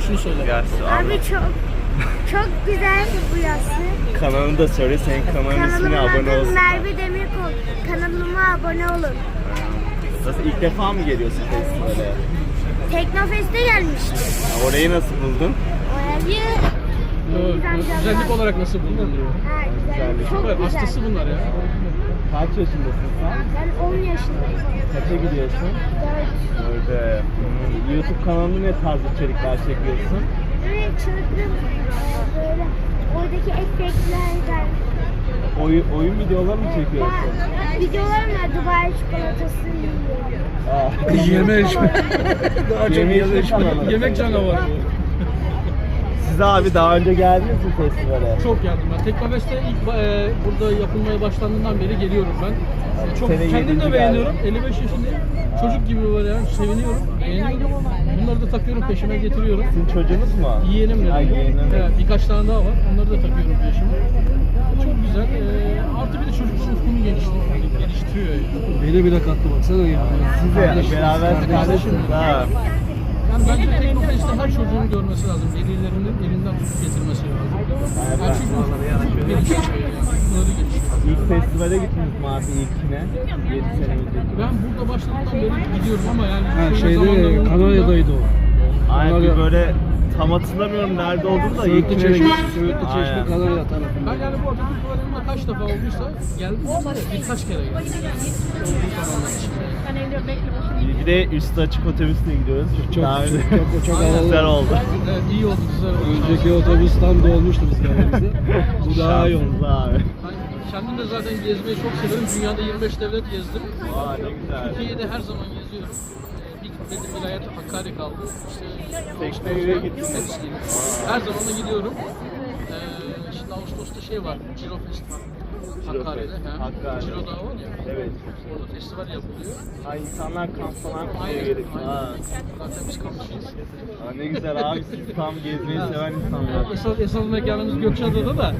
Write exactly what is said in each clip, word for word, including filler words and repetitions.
şunu söyle. Yasu Abi çok çok güzel bu yası. Kanalını da söyle, senin kanalın ismine Kanalımın abone adı olsun. Merve Demirkol. Kanalıma abone olun. Nasıl, ilk defa mı geliyorsun festivale? Teknofest'e gelmiştim. Orayı nasıl buldun? Orayı Evet, güzellik olarak nasıl buldun diyor. ha, güzel. Çok Süper, güzel. hastası bunlar ya. Kaç yaşındasın sen? Ben on yaşındayım. Kaça gidiyorsun? Dört. Öyle. Hmm, YouTube kanalında ne tarz içerikler çekiyorsun? Böyle çılgın e, böyle oradaki efektlerden Oyun, oyun videoları mı çekiyorsun? ben videolarım var. Dubai çikolatası yiyorum. Aa. Yeme içme. Daha çok Yeme yeme içme içme. kanalı. Yemek canavarı bu. Siz abi daha önce geldiniz mi festivale? Çok geldim ben. Teknofest'e ilk e, burada yapılmaya başlandığından beri geliyorum ben. E, çok Sene kendim de yedinci beğeniyorum. elli beş yaşındayım. Çocuk gibi var yani. Seviniyorum. Beğeniyorum. Bunları da takıyorum, peşime getiriyorum. Sizin çocuğunuz mu? Yeğenim Ay, dedim. yeğenim. Evet, birkaç tane daha var. Onları da takıyorum peşime. Çok güzel. E, artı bir de çocukların ufkunu geliştiriyor. Geliştiriyor. Beni bile kattı baksana ya. Siz de beraber kardeşsiniz ha. Yani bence Teknofest'te her çocuğun görmesi lazım. Velilerinin elinden tutup getirmesi lazım. Yani çünkü ufuk gelişiyor yani. Bunları gelişiyor. İlk festivale gittiniz mi abi ilkine? yedi sene önce. Ben burada başladıktan beri gidiyorum ama yani Ha şöyle şeyde zamanlar oldu da- Kanarya'daydı o. Aynen bir Kanarya- böyle tam hatırlamıyorum nerede olduğunu da Söğütlü ilkine Çeşme, gittim. Söğütlü Çeşme Aynen. Kanarya tarafında. Ben yani bu Atatürk Duvarı'nda kaç defa olduysa geldim ama birkaç kere geldim. Olduğu zamanlar için. Bir de üstü açık otobüsle gidiyoruz. Çok Daha önce çok çok güzel havalı. oldu. Evet, iyi oldu, güzel oldu. Önceki otobüs tam dolmuştu biz geldiğimizde. Bu daha iyi oldu. Şanssız abi. Ben kendim de zaten gezmeyi çok severim. Dünyada yirmi beş devlet gezdim. Aa ne güzel. Türkiye'de her zaman geziyorum. Ee, Bir gitmediğim vilayet Hakkari kaldı. İşte Tekneye gittin mi? hepsi gibi. Her zaman da gidiyorum. Ee, şimdi Ağustos'ta şey var, Ciro Festival. Hakkari'de. Fest, he. Hakkari. Ciro Dağı var ya. Evet. Orada festival yapılıyor. Ay insanlar kamp falan kuruyor Aynen. gelip. aynen. Ha. Zaten biz kampçıyız. Aa, ne güzel abi, siz tam gezmeyi seven insanlar. Esas, esas mekanımız Gökçeada'da da. Aa,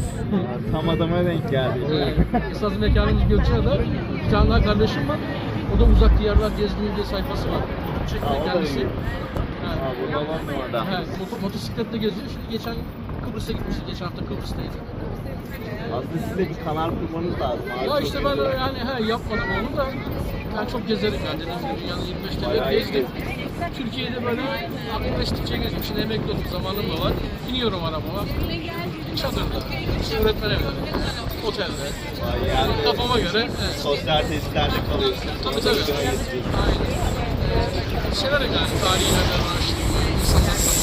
tam adama denk geldi. Esas mekanımız Gökçeada. Bir tane daha kardeşim var. O da uzak diyarlar gezdiğim diye sayfası var. Çekme Aa, o da kendisi. iyi. Ha. Aa, burada olan mı orada? Ha, moto, motosikletle geziyor. Şimdi geçen Kıbrıs'a gitmiştik. Geçen hafta Kıbrıs'taydı. Aslında siz de bir kanal kurmanız lazım abi. Ya Çok işte ben güzel. yani he, yapmadım onu da ben çok gezerim yani dediğim gibi dünyanın yirmi beş Bayağı devlet iyi gezdim. Türkiye'de böyle akıl estikçe gezdim. Şimdi emekli oldum, zamanım da var. İniyorum arabama. Çadırda, işte öğretmen evinde, otelde. Vay yani Kafama göre. Evet. sosyal tesislerde kalıyorsun. Tabii tabii. Aynen. Ee, severim yani tarihi yerler araştırmayı, insanlar tanımayı.